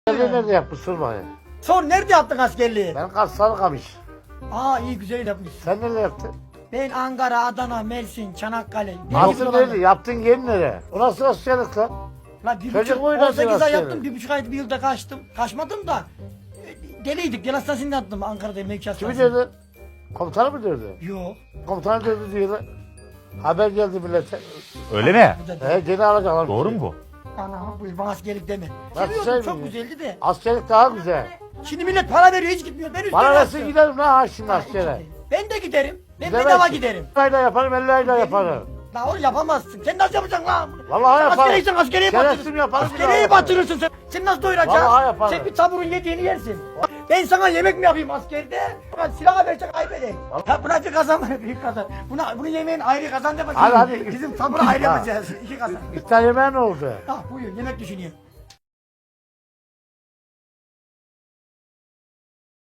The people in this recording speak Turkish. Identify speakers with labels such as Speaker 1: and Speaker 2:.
Speaker 1: Nerede yapmışsın bari?
Speaker 2: Sor, nerede yaptın askerliği?
Speaker 1: Ben Sarıkamış.
Speaker 2: Aa, iyi, güzel yapmışsın.
Speaker 1: Sen nerede yaptın?
Speaker 2: Ben Ankara, Adana, Mersin, Çanakkale.
Speaker 1: Nasıl nerede? Yaptın yerin nereye? Orası askerlik lan.
Speaker 2: La
Speaker 1: Çocuk oynasın
Speaker 2: 18 ay
Speaker 1: askeri.
Speaker 2: yaptım, 1,5 ay, bir yılda kaçtım. Kaçmadım da. Deliydik, gel hastanesinde yattım Ankara'da, mevki
Speaker 1: Kimi
Speaker 2: hastanesinde.
Speaker 1: dedi? Komutanı mı dedi?
Speaker 2: Yok.
Speaker 1: Komutanı dedi diyorlar. Haber geldi millete.
Speaker 3: Öyle mi?
Speaker 2: Bu da
Speaker 1: Gene alacaklar.
Speaker 3: Doğru mu bu?
Speaker 2: Ana, bu bana askerlik deme.
Speaker 1: Nasıl
Speaker 2: Seviyordum, çok
Speaker 1: sevmiyor?
Speaker 2: güzeldi de.
Speaker 1: Askerlik daha güzel.
Speaker 2: Şimdi millet para veriyor, hiç gitmiyor. Ben üstüne
Speaker 1: Bana nasıl
Speaker 2: yatıyorum.
Speaker 1: giderim lan ha şimdi askere?
Speaker 2: Ben de giderim. Ben
Speaker 1: Gidemezsin.
Speaker 2: bedava giderim.
Speaker 1: 50 ayda yaparım, 50 ayda yaparım.
Speaker 2: La onu yapamazsın. Sen nasıl yapacaksın lan?
Speaker 1: Vallahi
Speaker 2: Sen
Speaker 1: yaparım.
Speaker 2: askeriysen askeriye
Speaker 1: Şerefsizim
Speaker 2: batırırsın.
Speaker 1: yaparım,
Speaker 2: Askeriyeyi
Speaker 1: yaparım.
Speaker 2: batırırsın sen. Sen nasıl doyuracaksın?
Speaker 1: Vallahi yaparım.
Speaker 2: Sen bir taburun yediğini yersin. Ben sana yemek mi yapayım askerde? Buna silah verecek kaybedeyim. Ya buna bir kazan var, büyük kazan. Bunu yemeğin ayrı kazan de bakayım.
Speaker 1: Hadi.
Speaker 2: Bizim taburu ayrı
Speaker 1: Ha.
Speaker 2: yapacağız. 2 kazan.
Speaker 1: İftar yemeği ne oldu?
Speaker 2: Ah, buyur, yemek düşünüyor.